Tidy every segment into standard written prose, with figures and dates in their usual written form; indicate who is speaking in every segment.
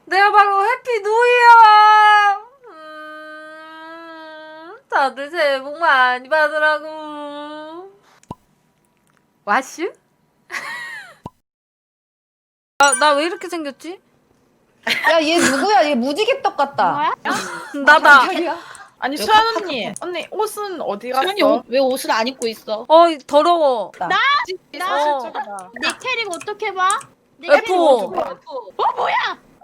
Speaker 1: 내가 바로 해피 뉴이야. 다들 새해 복 많이 받으라고. 와슈? 나 왜 이렇게 생겼지?
Speaker 2: 야, 얘 누구야? 얘 무지개떡 같다.
Speaker 1: 나다.
Speaker 3: 아니 수연 언니 옷은 어디 갔어?
Speaker 4: 수현이 왜 옷을 안 입고 있어?
Speaker 1: 더러워.
Speaker 3: 실적이다.
Speaker 4: 내 캐릭 어떻게 봐? 내
Speaker 1: F.
Speaker 4: 캐릭 어떻게 봐? 뭐야?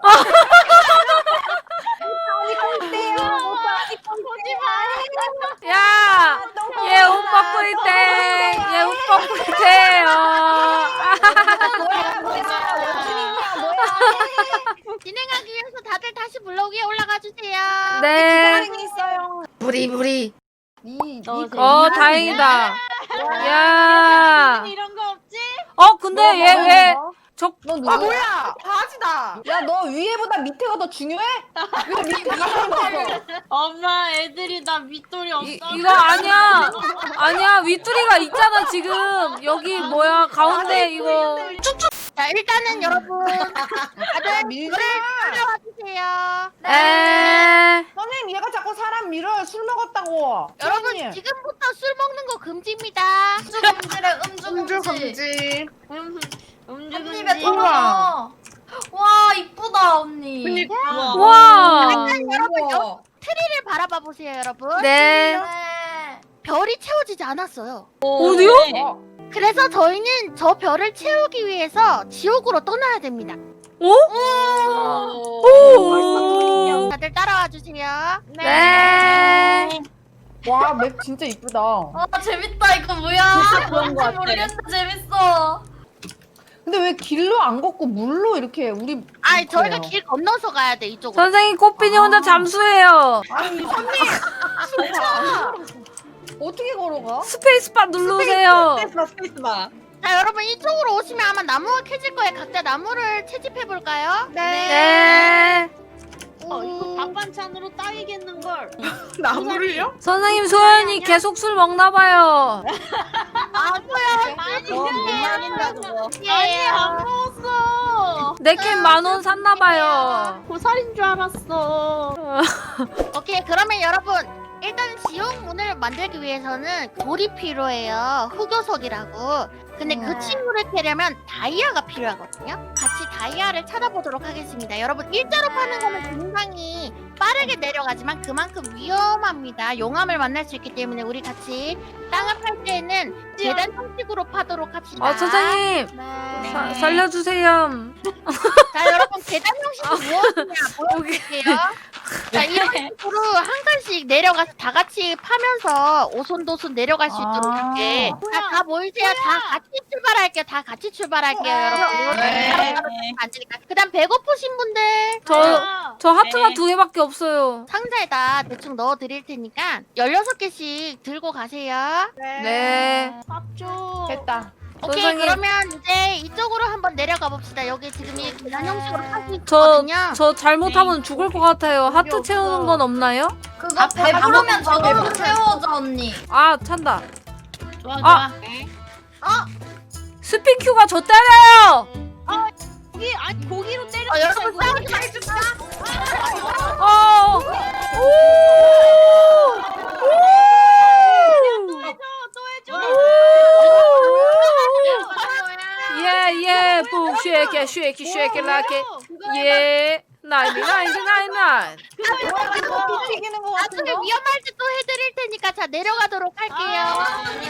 Speaker 4: 보지 마.
Speaker 1: 야! 얘 옷 벗고 있대. 얘 옷 벗고 있대.
Speaker 4: 진행하기 위해서 다들 다시 블록 위에 올라가 주세요.
Speaker 1: 네.
Speaker 2: 있어요.
Speaker 1: 부리.
Speaker 4: 너
Speaker 1: 다행이다. 야.
Speaker 4: 이런 거 없지?
Speaker 1: 근데 얘 왜
Speaker 2: 너
Speaker 3: 아
Speaker 2: 누구야?
Speaker 3: 뭐야? 바지다.
Speaker 2: 야, 너 위에보다 밑에가 더 중요해? 왜 밑에 있어?
Speaker 4: 엄마 애들이 나 밑돌이 없어.
Speaker 1: 이거 아니야. 아니야. 윗두리가 있잖아, 지금. 여기 뭐야? 가운데 이거.
Speaker 4: 자 일단은 여러분 다들
Speaker 2: 밀지
Speaker 4: 올라와 주세요.
Speaker 1: 에.
Speaker 2: 선생님, 얘가 자꾸 사람 밀어요. 술 먹었다고.
Speaker 4: 여러분
Speaker 2: 선생님.
Speaker 4: 지금부터 술 먹는 거 금지입니다.
Speaker 3: 음주 금지.
Speaker 4: 언니
Speaker 5: 입에 털어. 와 이쁘다 언니.
Speaker 3: 그니까.
Speaker 1: 와.
Speaker 4: 일단 여러분 트리를 바라봐 보세요 여러분.
Speaker 1: 네.
Speaker 5: 네.
Speaker 4: 별이 채워지지 않았어요.
Speaker 1: 어디요?
Speaker 4: 그래서 저희는 저 별을 채우기 위해서 지옥으로 떠나야 됩니다.
Speaker 1: 오.
Speaker 4: 다들 따라와 주세요.
Speaker 1: 네.
Speaker 2: 와, 맵 진짜 이쁘다.
Speaker 5: 재밌다 이거 뭐야?
Speaker 2: 그런 거
Speaker 5: 뭔지
Speaker 2: 같아.
Speaker 5: 모르겠는데 재밌어.
Speaker 2: 근데 왜 길로 안 걷고 물로 이렇게 우리
Speaker 4: 아니 저희가
Speaker 2: 그래요.
Speaker 4: 길 건너서 가야 돼 이쪽으로.
Speaker 1: 선생님 꽃빈이 혼자 잠수해요.
Speaker 2: 아니, 선생님. 진짜. 어떻게 걸어가?
Speaker 1: 스페이스바 누르세요.
Speaker 3: 스페이스바.
Speaker 4: 자 여러분 이쪽으로 오시면 아마 나무가 캐질 거예요. 각자 나무를 채집해 볼까요?
Speaker 1: 네.
Speaker 4: 이거 밥 반찬으로 딱이겠는 걸.
Speaker 3: 나무를요?
Speaker 1: 선생님 소연이 계속 술 먹나 봐요.
Speaker 4: 안 보여. 많이 아니 안 먹었어.
Speaker 1: 내캔 10,000원 샀나 봐요.
Speaker 4: 고살인 줄 알았어. 오케이 그러면 여러분 일단 지옥 문을 만들기 위해서는 돌이 필요해요. 흑요석이라고. 근데 그 친구를 캐려면 다이아가 필요하거든요. 같이 다이아를 찾아보도록 하겠습니다. 여러분 일자로 파는 거는 굉장히 빠르게 내려가지만 그만큼 위험합니다. 용암을 만날 수 있기 때문에 우리 같이 땅을 팔 때에는 계단 형식으로 파도록 합시다.
Speaker 1: 선생님
Speaker 5: 네.
Speaker 1: 살려주세요.
Speaker 4: 자 여러분 계단 형식이 무엇이냐 보여드릴게요. 자 이런 식으로 한 칸씩 내려가서 다 같이 파면서 오손도손 내려갈 수 있도록 할게. 다 모이세요. 다 같이 출발할게요. 다 같이 출발할게요 여러분.
Speaker 3: 네.
Speaker 4: 안 되니까. 그다음 배고프신 분들
Speaker 1: 저 하트가 2개밖에 없어요.
Speaker 4: 상자에다 대충 넣어 드릴 테니까 16개씩 들고 가세요.
Speaker 1: 네.
Speaker 4: 밥줘.
Speaker 2: 됐다.
Speaker 4: 오케이
Speaker 1: 선생님.
Speaker 4: 그러면 이제 이쪽으로 한번 내려가 봅시다. 여기 지금 이 계단 형식으로 할수
Speaker 1: 저
Speaker 4: 있거든요.
Speaker 1: 잘못하면 죽을 것 같아요. 하트 채우는 건 없나요?
Speaker 5: 그거 배부르면 저도 채워줘 언니.
Speaker 1: 아 찬다.
Speaker 4: 좋아
Speaker 1: 아.
Speaker 4: 좋아.
Speaker 1: 스피큐가 저 때려요.
Speaker 4: 고기 아니 고기로 때려. 여러분 싸우지 마십시오.
Speaker 1: 어.
Speaker 4: 또 해줘.
Speaker 1: 예예 북 쉐이키 쉐이키 쉐이키 라케 예 나이니 나이니 나이니
Speaker 2: 튀기는 거
Speaker 4: 나중에
Speaker 2: 같은데.
Speaker 4: 위험할 때 또 해드릴 테니까 자 내려가도록 할게요.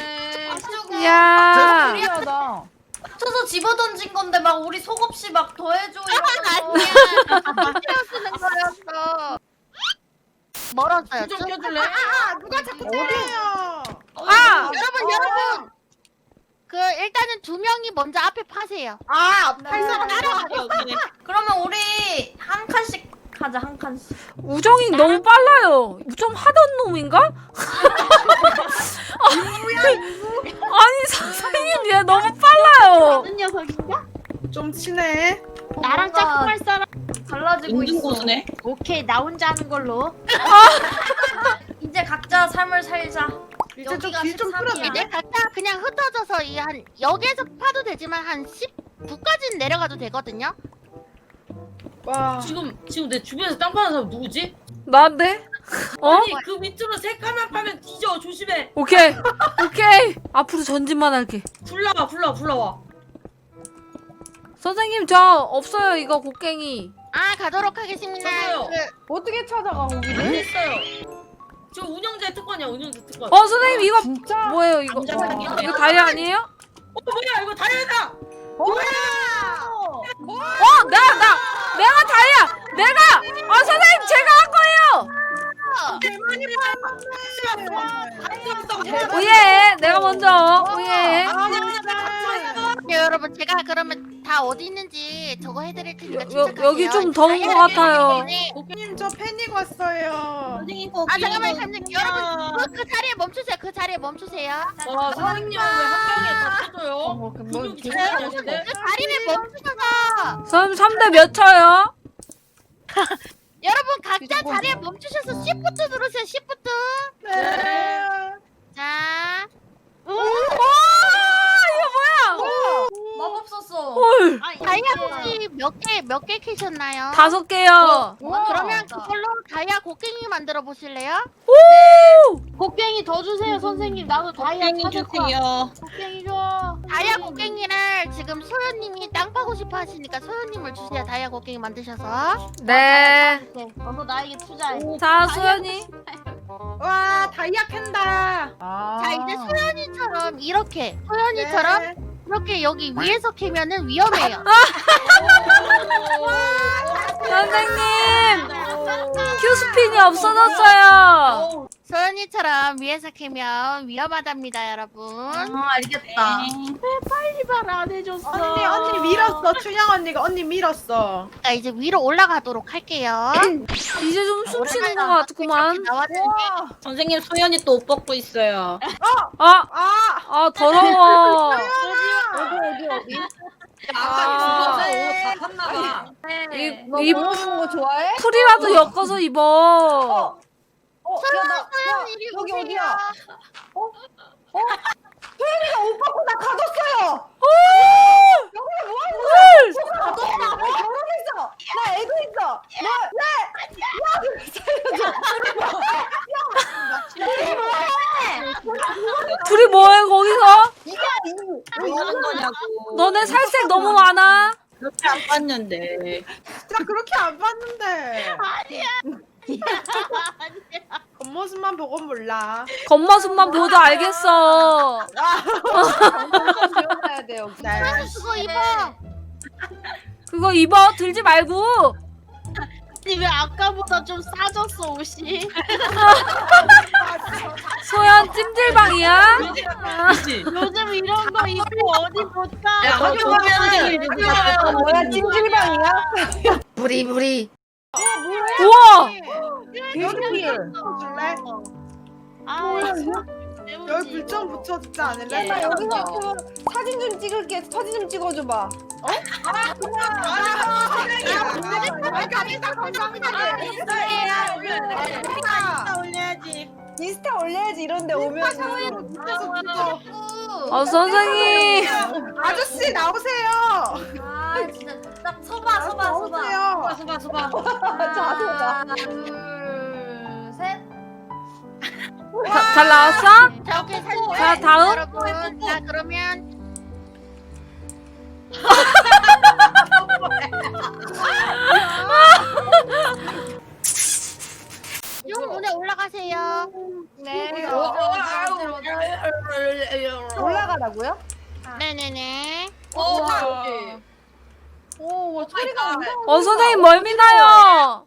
Speaker 1: 야
Speaker 2: 신기하다.
Speaker 5: 쳐서 집어던진 건데 막 우리 속없이 막 더해줘 이러면서.
Speaker 4: 아니야. 쓰는 거였어. 멀었어요.
Speaker 3: 좀 껴줄래?
Speaker 4: 누가 자꾸
Speaker 2: 어디야?
Speaker 4: 여러분 그 일단은 2명이 먼저 앞에 파세요.
Speaker 5: 팔 사람 따라가자. 그러면 우리 한 칸씩 가자 한 칸씩.
Speaker 1: 우정이 너무 빨라요. 좀 하던 놈인가? 아니 선생님 얘 너무 빨라요.
Speaker 4: 무슨 녀석인가?
Speaker 3: 좀 친해.
Speaker 4: 나랑
Speaker 5: 뭔가
Speaker 4: 짝꿍할 사람.
Speaker 5: 달라지고 있어.
Speaker 4: 고수네. 오케이 나 혼자 하는 걸로.
Speaker 5: 이제 각자 삶을 살자.
Speaker 3: 이제 좀
Speaker 5: 여기가
Speaker 3: 길 좀
Speaker 5: 13이야.
Speaker 3: 풀어줘.
Speaker 4: 이제 각자 그냥 흩어져서 이 한 여기에서 파도 되지만 한 19까지는 내려가도 되거든요.
Speaker 3: 와.
Speaker 5: 지금 내 주변에서 땅 파는 사람 누구지?
Speaker 1: 나인데? 어?
Speaker 5: 아니 그 밑으로 세 칸만 파면 뒤져. 조심해.
Speaker 1: 오케이. 오케이. 앞으로 전진만 할게.
Speaker 5: 불러와.
Speaker 1: 선생님 저 없어요 이거 곡괭이.
Speaker 4: 아 가도록 하겠습니다.
Speaker 5: 저도요.
Speaker 2: 어떻게 찾아가
Speaker 5: 여기
Speaker 2: 거기를?
Speaker 5: 있어요. 저 운영자의 특권이야. 운영자 특권.
Speaker 1: 선생님 이거
Speaker 2: 진짜?
Speaker 1: 뭐예요 이거?
Speaker 5: 감자탕인데.
Speaker 1: 이거 다리 아니에요?
Speaker 5: 뭐야 이거 다이아다.
Speaker 1: 내가 다리야. 선생님 제가 한 거예요. 오예, 내가 먼저. 오예.
Speaker 4: 네, 여러분 제가 그러면 다 어디 있는지 저거 해드릴 테니까 침착하세요.
Speaker 1: 여기 좀 더운 것 같아요.
Speaker 3: 고객님 저 패닉 왔어요.
Speaker 5: 선생님
Speaker 4: 아 잠깐만 여러분 그 자리에 멈추세요. 그 자리에 멈추세요.
Speaker 5: 와 선생님 왜한 명에 다 터져요?
Speaker 2: 뭐
Speaker 5: 근육이
Speaker 2: 계속
Speaker 5: 장난이 아닌데?
Speaker 4: 그 자리에 멈추셔서
Speaker 1: 선생님 3대 몇 쳐요?
Speaker 4: 여러분 각자 자리에 멈추셔서 Shift 누르세요. Shift.
Speaker 3: 네.
Speaker 4: 자.
Speaker 5: 마법 썼어.
Speaker 1: 헐.
Speaker 4: 다이아 곡괭이 몇 개 캐셨나요?
Speaker 1: 5개요.
Speaker 4: 그러면 그걸로 다이아 곡괭이 만들어 보실래요?
Speaker 5: 곡괭이 더 주세요 선생님. 나도 다이아 찾았어.
Speaker 4: 곡괭이 줘. 다이아 곡괭이를 지금 소연님이 땅 파고 싶어 하시니까 소연님을 주세요. 다이아 곡괭이 만드셔서.
Speaker 1: 네.
Speaker 5: 너도 나에게 투자해.
Speaker 1: 자, 수연이.
Speaker 3: 와 다이아 캔다.
Speaker 4: 자 이제 소연이처럼 이렇게 소연이처럼
Speaker 3: 네.
Speaker 4: 이렇게 여기 위에서 캐면은 위험해요.
Speaker 1: 선생님. 큐스핀이 없어졌어요.
Speaker 4: 소연이처럼 위에서 캐면 위험하답니다, 여러분.
Speaker 5: 알겠다.
Speaker 4: 빨리 말 안 해줬어.
Speaker 3: 언니 밀었어. 춘향 언니가 언니 밀었어.
Speaker 4: 자 이제 위로 올라가도록 할게요.
Speaker 1: 이제 좀 숨 쉬는 것 같구만.
Speaker 4: 나왔는데
Speaker 5: 선생님 소연이 또 옷 벗고 있어요.
Speaker 3: 아
Speaker 1: 더러워.
Speaker 2: 어디?
Speaker 5: 아까 옷다 팠나봐.
Speaker 1: 이
Speaker 2: 먹는 거 좋아해?
Speaker 1: 풀이라도 엮어서 입어.
Speaker 4: 소연 이리
Speaker 2: 여기
Speaker 4: 오세요.
Speaker 2: 어디야? 소연이가 옷 벗고 나 가뒀어요. 여기서 뭐 하는 거야? 나 결혼했어. 나 애도 있어.
Speaker 1: 둘이 뭐해 거기서?
Speaker 5: 뭐 하는 거냐고.
Speaker 1: 너네 살색 너무 많아.
Speaker 5: 그렇게 안 봤는데.
Speaker 3: 진짜 그렇게 안 봤는데. 겉모습만 보고 몰라.
Speaker 1: 겉모습만 보도 알겠어.
Speaker 2: 지워놔야 돼 여기.
Speaker 3: 네.
Speaker 4: 그거 입어.
Speaker 1: 그거 입어. 들지 말고.
Speaker 5: 왜 아까보다 좀 싸졌어 옷이?
Speaker 1: 소연 찜질방이야?
Speaker 5: 요즘 이런 거 입고 어디 못 가?
Speaker 3: 야, 학교 가면은
Speaker 2: 뭐야 찜질방이야?
Speaker 1: 부리. 우와.
Speaker 2: 여기
Speaker 3: 줄래? 여기 불 좀 붙여주지 않을래?
Speaker 2: 나 여기서 그 사진 좀 찍을게. 사진 좀 찍어줘봐. 인스타 올려야지 이런데 오면.
Speaker 1: 선생님.
Speaker 3: 아저씨 나오세요.
Speaker 5: 아 진짜 딱 서봐.
Speaker 3: 나오세요.
Speaker 5: 서봐.
Speaker 2: 자소가.
Speaker 5: 둘 셋.
Speaker 1: 잘 나왔어?
Speaker 4: 자 오케이 사진.
Speaker 1: 자, 다음.
Speaker 4: 여러분 자 그러면 용 문에 올라가세요.
Speaker 2: 네.
Speaker 5: 어,
Speaker 2: 올라가라고요?
Speaker 4: 네네네.
Speaker 2: 오, 소리가 엄청.
Speaker 1: 선생님 멀미 나요.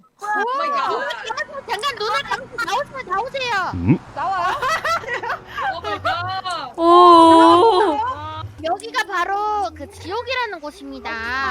Speaker 4: 잠깐 눈을 감고 나오세요.
Speaker 2: 나와요?
Speaker 1: 오.
Speaker 4: 여기가 바로 그 지옥이라는 곳입니다.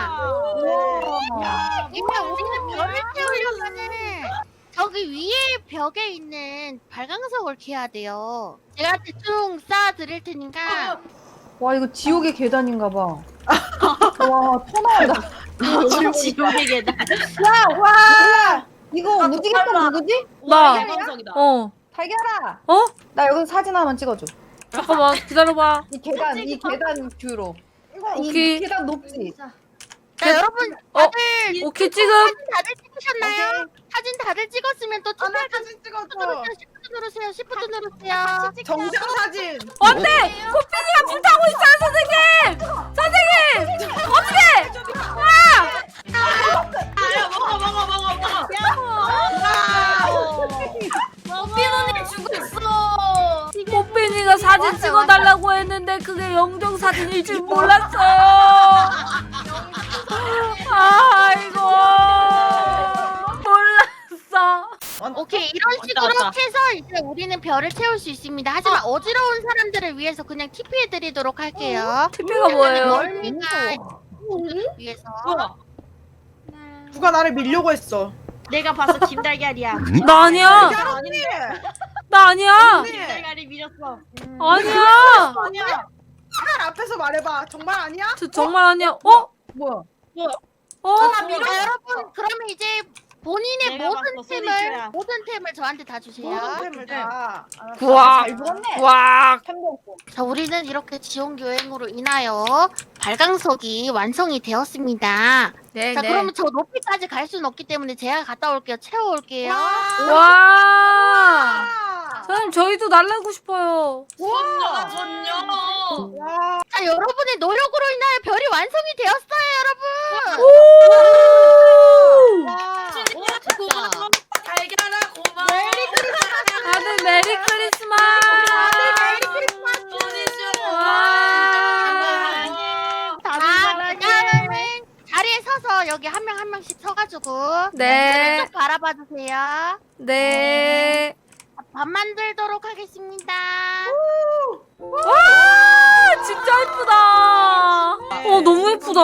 Speaker 4: 이제 우리는 별을 태우려면은 저기 위에 벽에 있는 발광석을 캐야 돼요. 제가 대충 쌓아 드릴 테니까.
Speaker 2: 와, 이거 지옥의 계단인가 봐. 와, 터나온다.
Speaker 5: 지옥의 계단.
Speaker 2: 야, 와! 이거 무지개똥 누구지?
Speaker 1: 나.
Speaker 5: 방송이다.
Speaker 2: 달걀아!
Speaker 1: 어?
Speaker 2: 나 여기서 사진 한번 찍어줘.
Speaker 1: 잠깐만 기다려봐.
Speaker 2: 이 계단 뷰로.
Speaker 1: 오케이.
Speaker 2: 이 계단 높지?
Speaker 4: 자, 여러분
Speaker 1: 어?
Speaker 4: 다들
Speaker 1: 오케이 지금
Speaker 4: 사진 다들 찍으셨나요? 사진 다들 찍었으면 또
Speaker 3: 나
Speaker 4: 투표할
Speaker 3: 사진 찍어줘.
Speaker 4: 시프트 누르세요. 시프트 누르세요.
Speaker 3: 정상 사진.
Speaker 1: 안돼! 코피디가 불타고 있어요 선생님! 선생님! 어떻게!
Speaker 5: 야 먹어. 뽀삐 언니 죽었어.
Speaker 1: 뽀삐니가 사진 찍어달라고 했는데 그게 영정 사진일 줄 몰랐어요. 아이고 몰랐어.
Speaker 4: 오케이 이런 식으로 해서 이제 우리는 별을 채울 수 있습니다. 하지만 어지러운 사람들을 위해서 그냥 TP해드리도록 할게요.
Speaker 1: TP가 뭐예요?
Speaker 4: 멀미가 위해서.
Speaker 3: 누가 나를 밀려고 했어.
Speaker 5: 내가 봐서 김달걀이야.
Speaker 1: 나 아니야.
Speaker 3: 언니.
Speaker 1: 나 아니야.
Speaker 3: 언니.
Speaker 5: 김달걀이 밀었어.
Speaker 1: 아니야.
Speaker 3: 아니야. 살 앞에서 말해봐. 정말 아니야?
Speaker 1: 저 정말 아니야. 어?
Speaker 3: 뭐야?
Speaker 1: 어?
Speaker 4: 자, 여러분 그러면 이제 본인의
Speaker 5: 내가 봤어, 소리쇼야.
Speaker 4: 모든 템을 저한테 다 주세요.
Speaker 3: 템을 다.
Speaker 1: 구악.
Speaker 2: 잘 죽었네.
Speaker 1: 구악.
Speaker 4: 자, 우리는 이렇게 지원 교행으로 인하여 발광석이 완성이 되었습니다.
Speaker 1: 네,
Speaker 4: 자,
Speaker 1: 네.
Speaker 4: 그러면 저 높이까지 갈 수는 없기 때문에 제가 갔다 올게요. 채워올게요.
Speaker 1: 와. 선생님 저희도 날라고 싶어요.
Speaker 5: 전녀다 전녀.
Speaker 3: 와.
Speaker 4: 자, 여러분의 노력으로 인하여 별이 완성이 되었어요, 여러분.
Speaker 1: 오!
Speaker 3: 와.
Speaker 5: 고마워. 달걀아 고마워.
Speaker 1: 다들 메리 크리스마스. 와.
Speaker 4: 다음은 자리에 서서 여기 한 명 한 명씩 서가지고
Speaker 1: 네.
Speaker 4: 쭉 바라봐 주세요.
Speaker 1: 네.
Speaker 4: 밥 만들도록 하겠습니다.
Speaker 1: 와 진짜 예쁘다. 너무 예쁘다.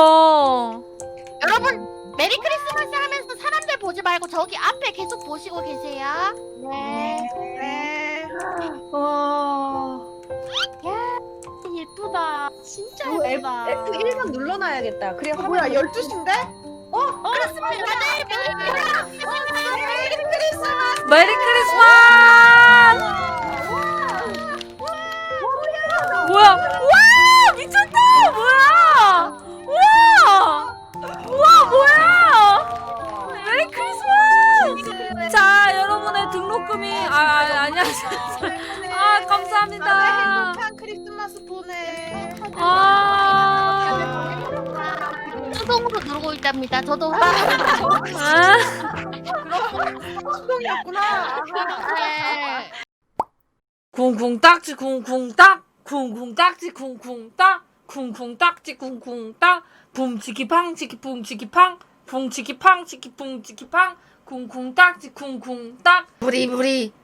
Speaker 4: 여러분 메리 크리스마스 하면서 사람들 보지 말고 저기 앞에 계속 보시고 계세요. 네.
Speaker 3: 네.
Speaker 5: 예쁘다. 진짜 예쁘다.
Speaker 2: F1번 눌러놔야겠다. 그래야
Speaker 3: 뭐야
Speaker 2: 화면
Speaker 3: 12시인데?
Speaker 4: 다들 메리 크리스마스.
Speaker 1: 메리 크리스마스. 뭐야? 와 미쳤다. 뭐야? 우와 뭐야? 메리 크리스마스. 자 여러분의 등록금이 안녕하세요. 감사합니다.
Speaker 3: 행복한 크리스마스 보내.
Speaker 4: 수동으로 누르고 있답니다. 저도
Speaker 3: 수동이었구나.
Speaker 4: 네.
Speaker 1: 쿵쿵 딱지 쿵쿵 딱 쿵쿵 딱지 쿵쿵 딱 쿵쿵 딱지 쿵쿵 딱 붐치기 팡치기 붐치기 팡 붕치기 팡치기 붕치기 팡 쿵쿵 딱지 쿵쿵 딱 부리부리